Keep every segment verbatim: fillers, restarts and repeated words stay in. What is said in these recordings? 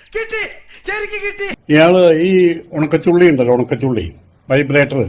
ഇയാള് ഈ ഉണക്കച്ചുള്ളി ഉണ്ടല്ലോ, ഉണക്കച്ചുള്ളി വൈബ്രേറ്റർ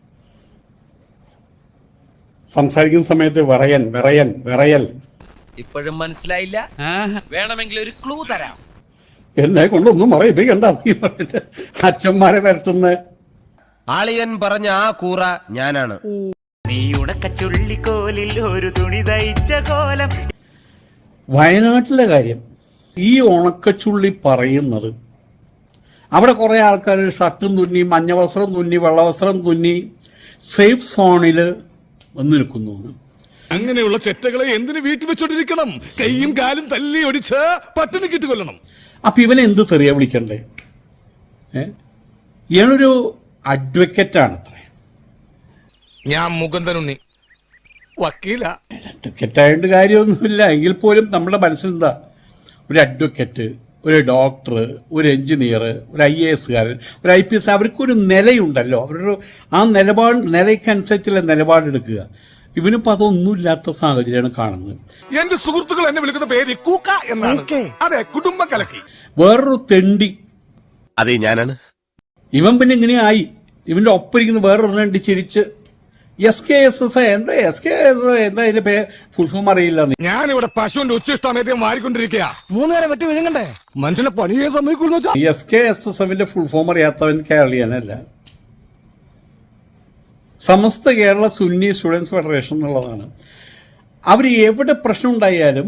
സംസാരിക്കുന്ന സമയത്ത് വിറയൻ വിറയൻ വിറയൽ ഇപ്പോഴും മനസ്സിലായില്ല? വേണമെങ്കിൽ ഒരു ക്ലൂ തരാം. എന്നെ കൊണ്ടൊന്നും പറയിപ്പിക്കണ്ട. അച്ഛന്മാരെ വരട്ടുന്ന ആളിയൻ പറഞ്ഞ ആ കൂറ ഞാനാണ്. നീ ഉണക്കച്ചുള്ളിക്കോലിൽ ഒരു തുണി തയ്ച്ച കോലം. വയനാട്ടിലെ കാര്യം ഈ ഉണക്കച്ചുള്ളി പറയുന്നത്, അവിടെ കുറെ ആൾക്കാർ ഷർട്ടും തുന്നി മഞ്ഞവസ്ത്രം തുന്നി വെള്ളവസ്ത്രം തുന്നി സേഫ് സോണിൽ വന്നു നിൽക്കുന്നു. അങ്ങനെയുള്ള ചെറ്റകളെ എന്തിനു വീട്ടിൽ വെച്ചോണ്ടിരിക്കണം? കൈയും കാലും തല്ലി ഒടിച്ച് പട്ടിണി കിട്ടി കൊല്ലണം. അപ്പൊ ഇവനെ എന്ത് തെറിയ വിളിക്കണ്ടേ? ഏ ഇയാളൊരു അഡ്വക്കറ്റാണ് അത്ര. ഞാൻ മുകുന്ദനുണ്ണി വക്കീല. അഡ്വക്കറ്റ് ആയതുകൊണ്ട് കാര്യമൊന്നുമില്ല. എങ്കിൽ പോലും നമ്മുടെ മനസ്സിലെന്താ, ഒരു അഡ്വക്കറ്റ്, ഒരു ഡോക്ടർ, ഒരു എഞ്ചിനീയർ, ഒരു ഐ എ എസുകാരൻ, ഒരു ഐ പി എസ്, അവർക്കൊരു നിലയുണ്ടല്ലോ. അവരൊരു ആ നിലപാട് നിലയ്ക്കനുസരിച്ചുള്ള നിലപാടെടുക്കുക. ഇവനിപ്പോൾ അതൊന്നുമില്ലാത്ത സാഹചര്യമാണ് കാണുന്നത്. എന്റെ സുഹൃത്തുക്കൾ എന്നെ വിളിക്കുന്ന പേര് കൂക്ക എന്നാണ്. അതെ, കുടുംബം കലക്കി. വേറൊരു തെണ്ടി അതെ ഞാനാണ്. ഇവൻ പിന്നെ ഇങ്ങനെയായി. ഇവന്റെ ഒപ്പരിക്കുന്ന വേറൊരു തെണ്ടി ചിരിച്ച് എസ് കെ എസ് എസ് എന്താ എസ് കെ എസ് എന്താ അതിന്റെ പേ ഫുൾ ഫോം അറിയില്ല. ഞാനിവിടെ പശുവിന്റെ ഉച്ചിഷ്ടമേദ്യം മാറിക്കൊണ്ടിരിക്കുക. മൂന്നേരം വെട്ടി വിഴുങ്ങണ്ടേ? മനുഷ്യനെ പണിയെ സമ്മതിക്കുന്നു. എസ് കെ എസ് എസ് എഫിന്റെ ഫുൾ ഫോം അറിയാത്തവൻ കേരളീയനല്ല. സമസ്ത കേരള സുന്നി സ്റ്റുഡൻസ് ഫെഡറേഷൻ എന്നുള്ളതാണ്. അവർ എവിടെ പ്രശ്നം ഉണ്ടായാലും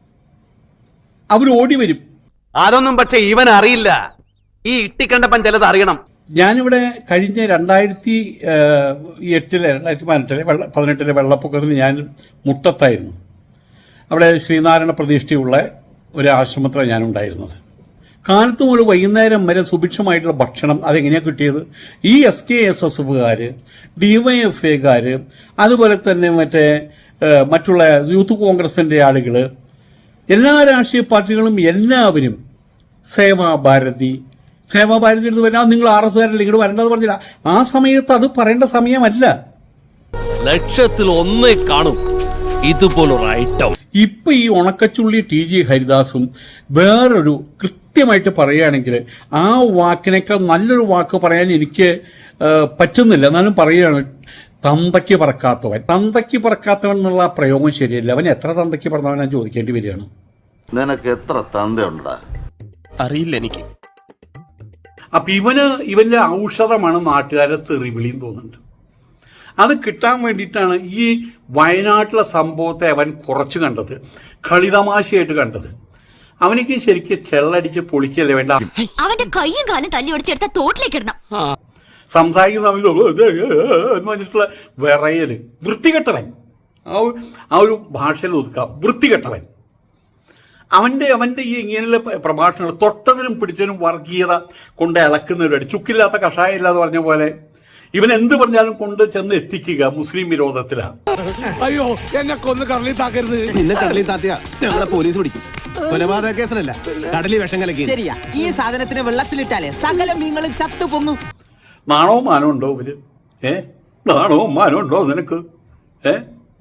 അവർ ഓടി വരും. അതൊന്നും പക്ഷെ ഇവൻ അറിയില്ല. ഈ ഇട്ടിക്കണ്ടപ്പൻ ചിലത് അറിയണം. ഞാനിവിടെ കഴിഞ്ഞ രണ്ടായിരത്തി എട്ടിലെ രണ്ടായിരത്തി പതിനെട്ടിലെ വെള്ള പതിനെട്ടിലെ വെള്ളപ്പൊക്കത്തിന് ഞാൻ മുട്ടത്തായിരുന്നു. അവിടെ ശ്രീനാരായണ പ്രതിഷ്ഠയുള്ള ഒരു ആശ്രമത്തിലാണ് ഞാനുണ്ടായിരുന്നത്. കാലത്ത് മുതൽ വൈകുന്നേരം വരെ സുഭിക്ഷമായിട്ടുള്ള ഭക്ഷണം അതെങ്ങനെയാണ് കിട്ടിയത്? ഈ എസ് കെ എസ് എസ് എഫുകാർ, ഡി വൈ എഫ് ഐക്കാർ, അതുപോലെ തന്നെ മറ്റേ മറ്റുള്ള യൂത്ത് കോൺഗ്രസിൻ്റെ ആളുകൾ, എല്ലാ രാഷ്ട്രീയ പാർട്ടികളും എല്ലാവരും സേവാഭാരതി സേവാഭാരതി എടുത്ത് വരാം. നിങ്ങൾ ആർ എസ് കാരല്ലേ ഇങ്ങോട്ട് വരേണ്ടത് പറഞ്ഞില്ല. ആ സമയത്ത് അത് പറയേണ്ട സമയമല്ല. ലക്ഷത്തിൽ ഒന്നേ കാണും ഇതുപോലൊരു ഐറ്റം. ഇപ്പൊ ഈ ഉണക്കച്ചുള്ളി ടി ജി ഹരിദാസും വേറൊരു കൃത്യമായിട്ട് പറയുകയാണെങ്കിൽ ആ വാക്കിനേക്കാൾ നല്ലൊരു വാക്ക് പറയാൻ എനിക്ക് പറ്റുന്നില്ല. എന്നാലും പറയുകയാണ്, തന്തയ്ക്ക് പറക്കാത്തവൻ. തന്തയ്ക്ക് പറക്കാത്തവൻ എന്നുള്ള പ്രയോഗം ശരിയല്ല. അവൻ എത്ര തന്തയ്ക്ക് പറഞ്ഞവൻ ഞാൻ ചോദിക്കേണ്ടി വരികയാണ്. നിനക്ക് എത്ര തന്തയുണ്ടാ? അറിയില്ല എനിക്ക്. അപ്പൊ ഇവന് ഇവന്റെ ഔഷധമാണ് നാട്ടുകാരെ തെറിവിളിയും തോന്നുന്നുണ്ട്. അത് കിട്ടാൻ വേണ്ടിയിട്ടാണ് ഈ വയനാട്ടിലെ സംഭവത്തെ അവൻ കുറച്ച് കണ്ടത്, കളിതമാശയായിട്ട് കണ്ടത്. അവനിക്ക് ശരിക്കും ചെള്ളടിച്ച് പൊളിക്കല്ലേ വേണ്ട. അവന്റെ കയ്യും കാലും തല്ലി ഒടിച്ചെടുത്ത തോട്ടിലേക്ക് ഇടണം. സംസാരിക്കുന്ന എന്ന് പറഞ്ഞിട്ടുള്ള വിറയല്. വൃത്തികെട്ടവൻ. ആ ആ ഒരു ഭാഷയിൽ ഒതുക്കാം, വൃത്തികെട്ടവൻ. അവൻ്റെ അവൻ്റെ ഈ ഇങ്ങനെയുള്ള പ്രഭാഷണങ്ങൾ തൊട്ടതിനും പിടിച്ചതിനും വർഗീയത കൊണ്ട് ഇളക്കുന്നവരുണ്ട്. ചുക്കില്ലാത്ത കഷായം ഇല്ലാന്ന് പറഞ്ഞ പോലെ ഇവൻ എന്ത് പറഞ്ഞാലും കൊണ്ട് ചെന്ന് എത്തിക്കുക മുസ്ലിം വിരോധത്തിലാണ്. അയ്യോ, എന്നെ കൊന്ന് കടലിൽ താക്കരുത്. നിന്നെ കടലിൽ താത്തിയാ ഞങ്ങളെ പോലീസ് പിടിക്കും. കൊലപാതക കേസല്ല, കടലിൽ വിഷം കലക്കി. ശരിയാ, ഈ സാധനത്തിന് വെള്ളത്തിലിട്ടാലേ സകല മീനുകളും ചത്തു പൊങ്ങും. നാണവും മാനവും ഉണ്ടോ ഇവര്? ഏ നാണവും മാനവും ഉണ്ടോ നിനക്ക്? ഏ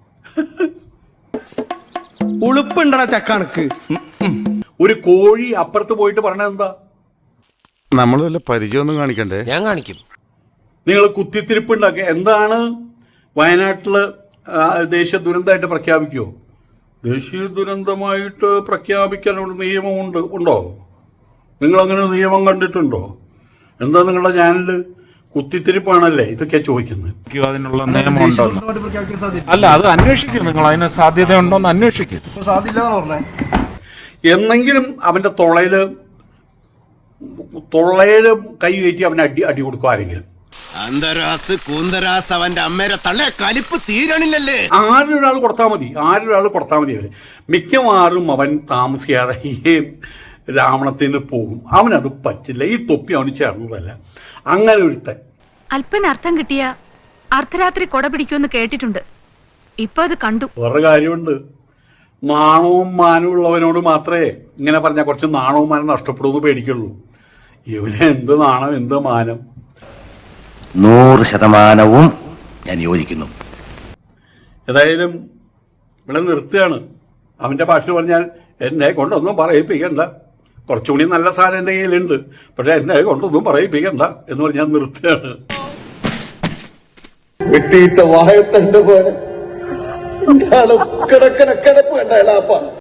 ഉളുപ്പുണ്ടടാ ചക്കണക്ക്. ഒരു കോഴി അപ്പുറത്ത് പോയിട്ട് പറഞ്ഞത് എന്താ? നമ്മൾ വല്ല പരിചയമൊന്നും കാണിക്കണ്ടേ? ഞാൻ കാണിക്കും. നിങ്ങൾ കുത്തിത്തിരിപ്പുണ്ടാക്കുക. എന്താണ് വയനാട്ടിൽ ദേശീയ ദുരന്തമായിട്ട് പ്രഖ്യാപിക്കുമോ? ദേശീയ ദുരന്തമായിട്ട് പ്രഖ്യാപിക്കാനുള്ള നിയമമുണ്ട് ഉണ്ടോ? നിങ്ങളങ്ങനെ നിയമം കണ്ടിട്ടുണ്ടോ? എന്താ നിങ്ങളുടെ ചാനല് കുത്തിത്തിരിപ്പാണല്ലേ ഇതൊക്കെ ചോദിക്കുന്നത്? അതിനുള്ള നിയമമുണ്ടോ? അല്ല, അത് അന്വേഷിക്കും. നിങ്ങൾ അതിന് സാധ്യത ഉണ്ടോന്ന് അന്വേഷിക്കും. എന്നെങ്കിലും അവന്റെ തൊള്ളയില് തൊള്ളയില് കൈ കയറ്റി അവന് അടി അടി കൊടുക്കും ആരെങ്കിലും. അന്തരാസ് കൂന്തരാസ് അവന്റെ അമ്മേരെ തള്ളേ കലിപ്പ് തീരണില്ലല്ലേ. ആരൊരാൾ കൊടുത്താൽ മതി, ആരൊരാൾ കൊടുത്താൽ മതി. അവര് മിക്കവാറും അവൻ താമസിയാതെ ഈ രാവണത്തിൽ നിന്ന് പോകും. അവനത് പറ്റില്ല. ഈ തൊപ്പി അവന് ചേർന്നതല്ല. അങ്ങനെ ഒരുത്തൻ അല്പന അർത്ഥം കിട്ടിയ അർദ്ധരാത്രി കൊട പിടിക്കുമെന്ന് കേട്ടിട്ടുണ്ട്. ഇപ്പൊ അത് കണ്ടു. വേറെ കാര്യമുണ്ട്. നാണവും മാനവും ഉള്ളവനോട് മാത്രമേ ഇങ്ങനെ പറഞ്ഞാൽ കുറച്ച് നാണവും മാനം നഷ്ടപ്പെടുമെന്ന് പേടിക്കുള്ളൂ. ഇവന് എന്ത് നാണം, എന്ത് മാനം? നൂറ് ശതമാനവും ഞാൻ യോജിക്കുന്നു. ഏതായാലും ഇവിടെ നിർത്തുകയാണ്. അവൻ്റെ ഭാഷ പറഞ്ഞാൽ എന്നെ കൊണ്ടൊന്നും പറയിപ്പിക്കണ്ട. കുറച്ചുകൂടി നല്ല സാധനം എൻ്റെ കയ്യിലുണ്ട്, പക്ഷെ എന്നെ കൊണ്ടൊന്നും പറയിപ്പിക്കണ്ട എന്ന് പറഞ്ഞ് ഞാൻ നിർത്തുകയാണ്. വെട്ടിയിട്ട വായത്തണ്ട് പോലെ കിടക്കണ കിടപ്പ് കണ്ട